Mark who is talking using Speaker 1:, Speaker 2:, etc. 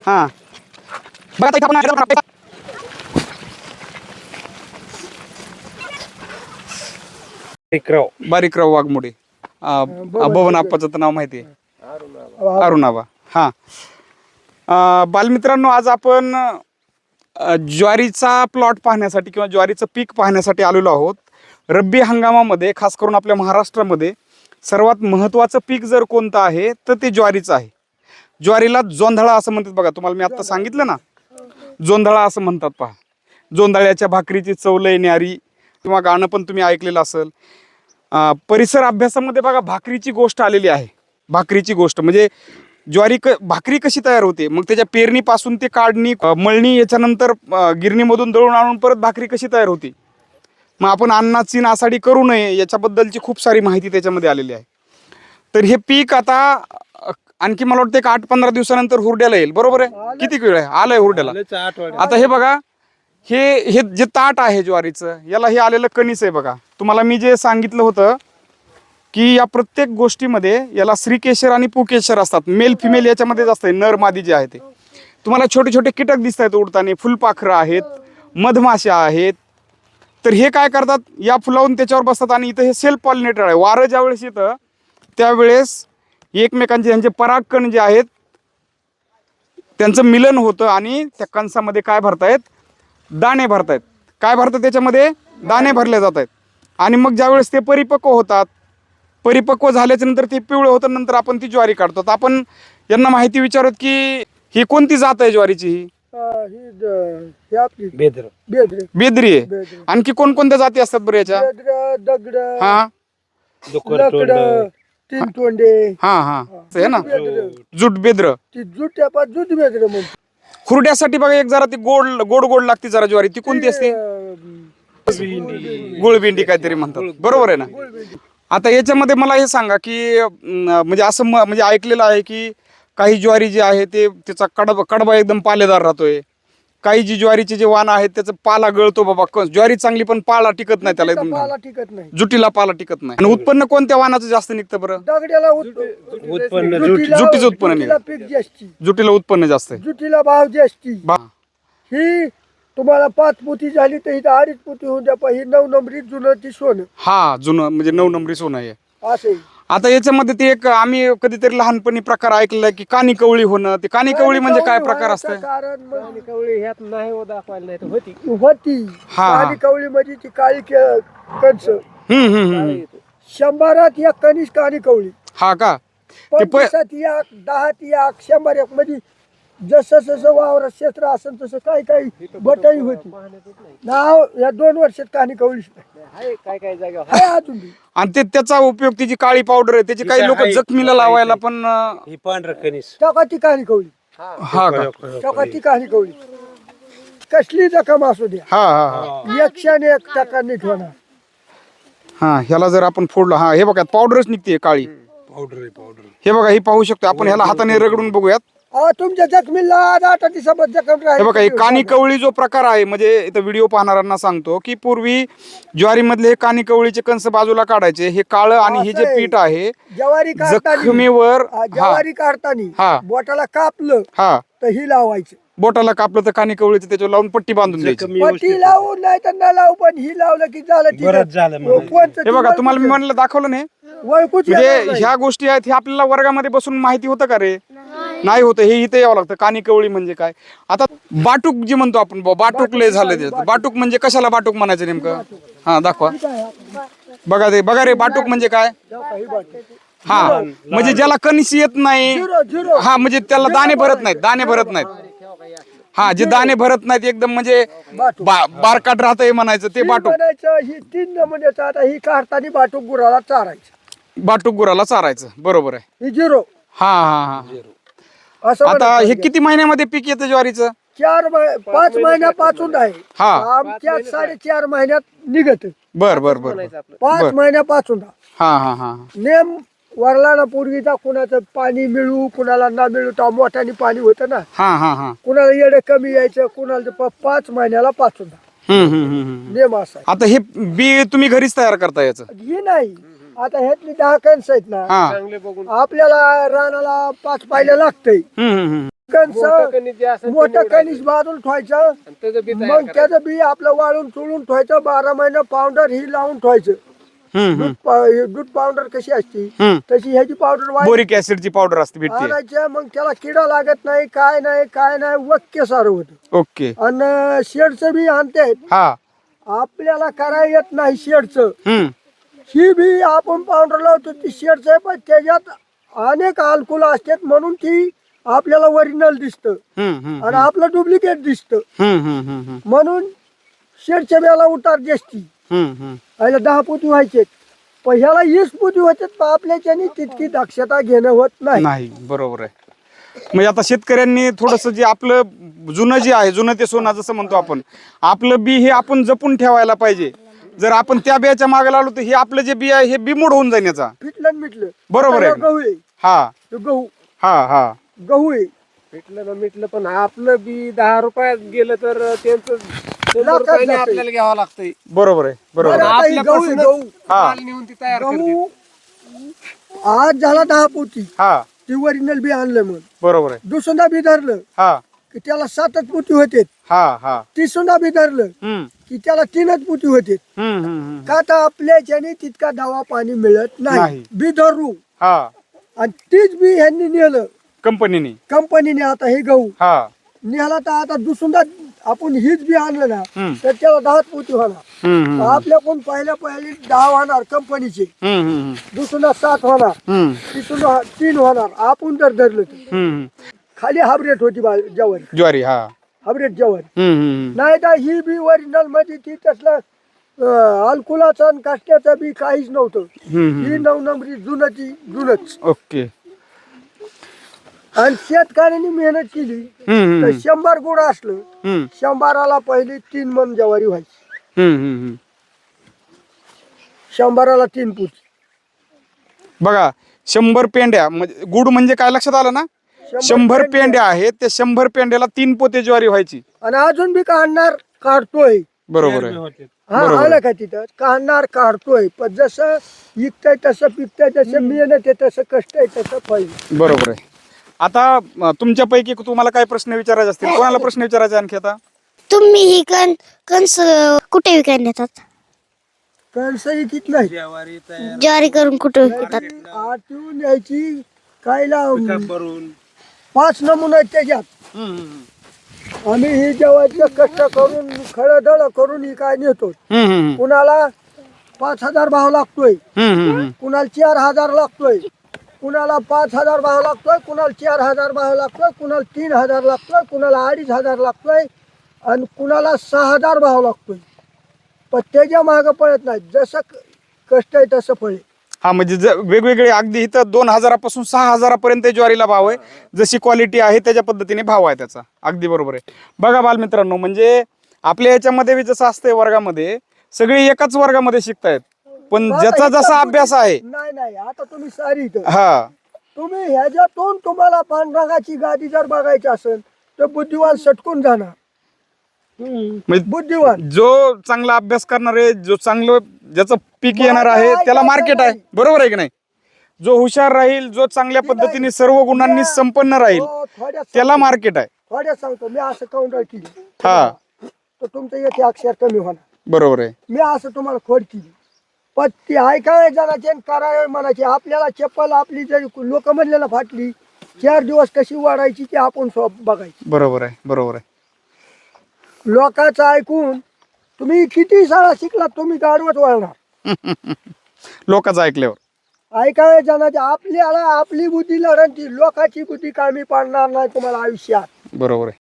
Speaker 1: हा बघा इथं आपण बारीकराव वाघमोडे बबन आप्पाचं तर नाव माहिती आहे, अरुणाबा. हा बालमित्रांनो, आज आपण ज्वारीचा प्लॉट पाहण्यासाठी किंवा ज्वारीचं पीक पाहण्यासाठी आलेलो आहोत. रब्बी हंगामामध्ये खास करून आपल्या महाराष्ट्रामध्ये सर्वात महत्त्वाचं पीक जर कोणतं आहे तर ते ज्वारीचं आहे. ज्वारीला जोंधळा असं म्हणतात बघा. तुम्हाला मी आता सांगितलं ना, जोंधळा असं म्हणतात. पहा, जोंधळ्याच्या भाकरीची चव लय न्यारी किंवा गाणं पण तुम्ही ऐकलेलं असेल. परिसर अभ्यासामध्ये बघा भाकरीची गोष्ट आलेली आहे. भाकरीची गोष्ट म्हणजे भाकरी कशी तयार होते, मग त्याच्या पेरणीपासून ते काढणी, मळणी, याच्यानंतर गिरणीमधून दळून आणून परत भाकरी कशी तयार होती. मग आपण अन्नाची नासाडी करू नये याच्याबद्दलची खूप सारी माहिती त्याच्यामध्ये आलेली आहे. तर हे पीक आता आणखी मला वाटतं 8-15 दिवसानंतर हुरड्याला येईल. बरोबर आहे? किती वेळ आहे आलंय हुरड्याला? आता हे बघा, हे जे ताट आहे ज्वारीचं, याला हे आलेलं कणीस आहे बघा. तुम्हाला मी जे सांगितलं होतं की या प्रत्येक गोष्टीमध्ये याला श्रीकेशर आणि पुकेशर असतात. मेल फिमेल याच्यामध्येच असते, नर मादी जे आहे ते. तुम्हाला छोटे छोटे कीटक दिसत आहेत उडताना, फुलपाखरं आहेत, मधमाशा आहेत. तर हे काय करतात, या फुलावून त्याच्यावर बसतात आणि इथं हे सेल्फ पॉलिनेटर आहे. वारं ज्यावेळेस येतं त्यावेळेस एकमेकांचे यांचे परागकण जे आहेत त्यांचं मिलन होतं आणि त्या कणसामध्ये काय भरतायत, दाणे भरतायत. काय भरतात त्याच्यामध्ये, दाणे भरले जात आहेत. आणि मग ज्यावेळेस ते परिपक्व होतात, परिपक्व झाल्याच्या नंतर ते पिवळं होतं, नंतर आपण ती ज्वारी काढतो. आपण यांना माहिती विचारत की ही कोणती जात आहे ज्वारीची? ही बेदरी आहे. आणखी कोणकोणत्या जाती असतात बरं याच्या?
Speaker 2: दगड,
Speaker 1: हा
Speaker 2: तीन तोंडे,
Speaker 1: हा हा आहे ना, जूट बेद्र.
Speaker 2: जूट बेदर म्हणते.
Speaker 1: खुरड्यासाठी बघा एक जरा ती गोड गोड गोड लागते जरा ज्वारी. ती कोणती असते? गुळभेंडी काहीतरी म्हणतात. बरोबर आहे ना? आता याच्यामध्ये मला हे सांगा की म्हणजे असं म्हणजे ऐकलेलं आहे की काही ज्वारी जी आहे ते त्याचा कडबा एकदम पालेदार राहतोय. काही जी ज्वारीचे जे वाण आहेत त्याचा पाला गळतो बाबा. ज्वारी चांगली पण पाला टिकत नाही त्याला, एकदम
Speaker 2: पाला टिकत नाही,
Speaker 1: जुटीला पाला टिकत नाही. आणि उत्पन्न कोणत्या वाणाचं जास्त निघतं बरं?
Speaker 2: दगड्याला
Speaker 1: उत्पन्न जुटीचं उत्पन्न निघतं.
Speaker 2: पीक जास्ती,
Speaker 1: जुटीला उत्पन्न जास्त आहे,
Speaker 2: जुटीला भाव जास्ती. ही तुम्हाला 5 पोती झाली तर इथं 2.5 पोती होऊन द्या. ही 9 नंबरी जुनं ती सोनं.
Speaker 1: हा, जुनं म्हणजे 9 नंबरी सोनं आहे.
Speaker 2: असे
Speaker 1: आता याच्यामध्ये ते एक आम्ही कधीतरी लहानपणी प्रकार ऐकलेला की कानी कवळी होणं. ते कानी कवळी म्हणजे काय प्रकार असतं?
Speaker 2: कारण
Speaker 3: कवळी ह्यात नाही दाखवायला नाही तर होती.
Speaker 1: हा.
Speaker 2: काळी कवळी म्हणजे ती काळी कणस.
Speaker 1: हम्म.
Speaker 2: 100त एक कणीस काळी कवळी,
Speaker 1: हा का?
Speaker 2: 50त एक, 10त एक, 100 एक. म्हणजे जसं जसं वावरात क्षेत्र असेल तसं काही बटाई होती. नाव या 2 वर्षात काळी कवळी
Speaker 3: काय काय जागा
Speaker 2: आहे अजून बी.
Speaker 1: आणि त्याचा उपयोग, ती जी काळी पावडर आहे त्याची काही लोक जखमीला लावायला पण.
Speaker 3: ही पांढर कणीस
Speaker 2: टका ती काळी कवळी,
Speaker 1: हा का?
Speaker 2: टका ती काळी कवळी. कसली जखम असू द्या,
Speaker 1: हा
Speaker 2: 101 टका नीट होणार.
Speaker 1: हा, ह्याला जर आपण फोडलं, हा हे बघा पावडरच निघते काळी
Speaker 3: पावडर.
Speaker 1: हे बघा, ही पाहू शकतो आपण. ह्याला हाताने रगडून बघूयात.
Speaker 2: तुमच्या जखमीला 8 दिवसात जखम
Speaker 1: हे
Speaker 2: राहील.
Speaker 1: बघा, हे कानी कवळी जो प्रकार आहे, म्हणजे इथं व्हिडिओ पाहणाऱ्यांना सांगतो की पूर्वी ज्वारीमधले हे कानी कवळीचे कंस बाजूला काढायचे. हे काळं आणि हे जे पीठ आहे
Speaker 2: ज्वारी
Speaker 1: जखमीवर,
Speaker 2: ज्वारी काढताना बोटाला कापलं
Speaker 1: हा
Speaker 2: तर ही लावायचं.
Speaker 1: बोटाला कापलं तर कानी कवळीचं त्याच्यावर लावून पट्टी बांधून द्यायची.
Speaker 2: पट्टी लावून नाही तर न लावू, पण ही लावलं की झालं.
Speaker 1: हे बघा, तुम्हाला मी म्हणलं दाखवलं नाही म्हणजे ह्या गोष्टी आहेत. हे आपल्याला वर्गामध्ये बसून माहिती होतं का रे? नाही होतं. हे इथे यावं लागतं. कानी कवळी म्हणजे काय? आता बाटूक जी म्हणतो आपण, बाटूक लय झालं त्याचं. बाटूक म्हणजे कशाला बाटूक म्हणायचं नेमकं? हा दाखवा. बघा रे, बाटूक म्हणजे काय? हा, म्हणजे ज्याला कणीस येत नाही. हा, म्हणजे त्याला दाणे भरत नाहीत. हा, जे दाणे भरत नाहीत एकदम, म्हणजे बारकाट राहतंय म्हणायचं, ते बाटूक.
Speaker 2: ही 3 नमुन्याचं. आता ही काढताना बाटूक गुराला चारायचं.
Speaker 1: बाटूक गुराला चारायचं. बरोबर आहे.
Speaker 2: ही 0.
Speaker 1: हा.
Speaker 2: असं
Speaker 1: आता हे किती महिन्यामध्ये पीक येतं ज्वारीचं?
Speaker 2: 5 महिन्यापासून आहे.
Speaker 1: हा.
Speaker 2: आमच्या 4.5 महिन्यात निघत.
Speaker 1: बर
Speaker 2: 5 महिन्यापासून.
Speaker 1: हा
Speaker 2: नेम वरला पूर्वीचा कुणाचं पाणी मिळू, कुणाला ना मिळू, तर मोठ्याने पाणी होतं ना.
Speaker 1: हा
Speaker 2: कुणाला येडे कमी यायचं, कुणाला 5 महिन्याला पाचून नेम असा.
Speaker 1: आता हे बी तुम्ही घरीच तयार करता याचं?
Speaker 2: ही नाही. आता ह्यातली 10 कणस आहेत ना,
Speaker 1: हा.
Speaker 2: आपल्याला रानाला 5 पायल्या लागतंय.
Speaker 3: मोठं कणीस जे असेल ते
Speaker 2: मोठं
Speaker 3: निवडायचं.
Speaker 2: कणीस बाजून ठेवायचं
Speaker 3: आणि त्याचं बी तयार
Speaker 2: मग
Speaker 3: करायचं.
Speaker 2: त्याचं बी आपलं वाळून चुळून ठेवायचं 12 महिने पावडर ही लावून ठेवायचं दूध पावडर कशी असते तशी ह्याची पावडर
Speaker 1: बोरिक ऍसिडची पावडर असते भेटते.
Speaker 2: आणायच्या मग त्याला किडा लागत नाही काय नाही वक्य सारं होतं
Speaker 1: ओके.
Speaker 2: आणि शेडचं बी आणते
Speaker 1: हा.
Speaker 2: आपल्याला करायला येत नाही शेडचं
Speaker 1: हम्म.
Speaker 2: ही बी आपण पावडर लावतो ती शेडचं आहे पण त्याच्यात अनेक अल्कोहोल असतात म्हणून ती आपल्याला ओरिजिनल दिसतं आणि आपलं डुप्लिकेट दिसतं म्हणून शेडच्या बेला उतार जास्ती ह्याला 10 पोती व्हायचे पण ह्याला 20 पोती होते पण आपल्याच्यानी तितकी दक्षता घेणं होत नाही.
Speaker 1: नाही बरोबर आहे. म्हणजे आता शेतकऱ्यांनी थोडस जे आपलं जुनं जे आहे जुनं ते सोनं जसं म्हणतो आपण आपलं बी हे आपण जपून ठेवायला पाहिजे. जर आपण त्या बियाच्या मागे लागलो तर हे आपलं जे बी आहे हे बिमोड होऊन जाईल याचा.
Speaker 2: पिटलं आणि मिटलं
Speaker 1: बरोबर आहे.
Speaker 2: आता गहू आहे
Speaker 1: हा
Speaker 2: तो गहू
Speaker 1: हा
Speaker 2: गहू आहे
Speaker 3: भेटलं ना मिटलं पण आपलं बी 10 रुपयात गेलं तर त्यांचं 100
Speaker 2: लाखात
Speaker 3: रुपयाने
Speaker 2: जातंय.
Speaker 3: आपल्याला घ्यावं लागतंय.
Speaker 1: बरोबर आहे बरोबर
Speaker 2: बरं,
Speaker 1: आहे.
Speaker 2: आता ही गहू आहे,
Speaker 3: आपल्यापासूनच
Speaker 2: गहू
Speaker 1: हा.
Speaker 3: माल नेऊन ती तयार करते.
Speaker 2: गहू आज झाला 10 पोती
Speaker 1: हा
Speaker 2: ती ओरिजिनल बी आणलं मग
Speaker 1: बरोबर आहे.
Speaker 2: दुसरा बी धरलं
Speaker 1: हा
Speaker 2: की त्याला 7च पोती होते
Speaker 1: हा हा.
Speaker 2: तिसरा बी धरलं
Speaker 1: हम्म
Speaker 2: की त्याला 3च पोती होते
Speaker 1: हम्म.
Speaker 2: का तर आपल्याच्याने तितका दवा पाणी मिळत नाही
Speaker 1: नाही.
Speaker 2: बी धरू
Speaker 1: हा.
Speaker 2: आणि तीच बी ह्यांनी नेलं
Speaker 1: कंपनीने.
Speaker 2: कंपनीने आता हे गहू
Speaker 1: हा.
Speaker 2: निघाला तर आता दुसरा आपण हीच बी आणलं ना
Speaker 1: हम्म.
Speaker 2: तर त्याला 10 पोती होणार
Speaker 1: हम्म
Speaker 2: आपल्याकडून पहिल्या 10 होणार कंपनीचे दुसरा 7 होणार तिसरा 3 होणार आपण जर धरलं तर खाली हायब्रेड होती ज्वारी
Speaker 1: ज्वारी. हा.
Speaker 2: हायब्रेड ज्वारी नाही तर ही बी ओरिजिनल मध्ये ती तसलं अल्कोलाचं आणि काष्ट्याचं बी काहीच नव्हतं ही 9 नंबरी जुनच
Speaker 1: ओके.
Speaker 2: आणि शेतकऱ्यांनी मेहनत केली तर 100 गुण असलं 100ला पहिली 3 मन ज्वारी व्हायची 100ला 3 पोती
Speaker 1: बघा 100 पेंड्या म्हणजे गुड म्हणजे काय लक्षात आलं ना 100 पेंड्या आहेत त्या 100 पेंड्याला 3 पोते ज्वारी व्हायची.
Speaker 2: आणि अजून बी काढणार काढतोय
Speaker 1: बरोबर आहे.
Speaker 2: हा आलं का तिथं काढणार काढतोय पण जसं विकतंय तसं पिकतंय तसं मेहनत आहे तसं कष्ट आहे तसं फळ आहे.
Speaker 1: बरोबर आहे. आता तुमच्यापैकी तुम्हाला काय प्रश्न विचारायचे असतील कोणाला प्रश्न विचारायचे आणखी आता?
Speaker 4: तुम्ही ही कणस कुठे विकायला नेतात?
Speaker 2: कणसही कित नाही
Speaker 4: ज्वारी करून कुठे विकतात?
Speaker 2: आठवून यायची कायला
Speaker 3: भरून
Speaker 2: 5 नमुने आहेत त्याच्यात आम्ही ही जेवायचं कष्ट करून खळदळ करून ही काय नेतो कुणाला 5,000 भाव लागतोय कुणाला 4,000 लागतोय कुणाला 5,000 भाव लागतोय कुणाला 4,000 भाव लागतोय कुणाला 3,000 लागतोय कुणाला 2,500 लागतोय आणि कुणाला 6,000 भाव लागतोय पण त्याच्या मागं पळत नाही जसं कष्ट आहे तसं फळे.
Speaker 1: हा म्हणजे वेगवेगळे अगदी इथं 2,000 पासून 6,000 पर्यंत ज्वारीला भाव आहे. जशी क्वालिटी आहे त्याच्या पद्धतीने भाव आहे त्याचा. अगदी बरोबर आहे. बघा बालमित्रांनो म्हणजे आपल्या याच्यामध्ये बी जसं असतंय वर्गामध्ये सगळे एकाच वर्गामध्ये शिकतायत पण ज्याचा जसा अभ्यास आहे.
Speaker 2: नाही आता तुम्ही सारी इथं
Speaker 1: हा
Speaker 2: तुम्ही ह्याच्यातून तुम्हाला पांढरागाची गादी जर बघायची असेल तर बुद्धिवान सटकून जाणार.
Speaker 1: म्हणजे
Speaker 2: बुद्धिवान
Speaker 1: जो चांगला अभ्यास करणार आहे जो चांगलं ज्याचं पीक येणार आहे त्याला मार्केट आहे. बरोबर आहे की नाही? जो हुशार राहील जो चांगल्या पद्धतीने सर्व गुणांनी संपन्न राहील
Speaker 2: हो,
Speaker 1: त्याला मार्केट आहे.
Speaker 2: थोड्या सांगतो मी असं काउंटर केली
Speaker 1: हा
Speaker 2: तर तुमचं येथे अक्षर कमी होणार.
Speaker 1: बरोबर आहे.
Speaker 2: मी असं तुम्हाला खोड केली पण ती ऐकाय जणाची आणि करावे म्हणायची आपल्याला चप्पल आपली जरी लोक म्हणलेला फाटली 4 दिवस कशी वाढायची ती आपण बघायची.
Speaker 1: बरोबर आहे. बरोबर आहे.
Speaker 2: लोकांचं ऐकून तुम्ही किती शाळा शिकला तुम्ही गाडवत वळणार
Speaker 1: लोकांचं ऐकल्यावर.
Speaker 2: ऐकाय जणाची आपल्याला आपली बुद्धी लढती लोकांची बुद्धी कामी पाडणार नाही तुम्हाला आयुष्यात.
Speaker 1: बरोबर आहे.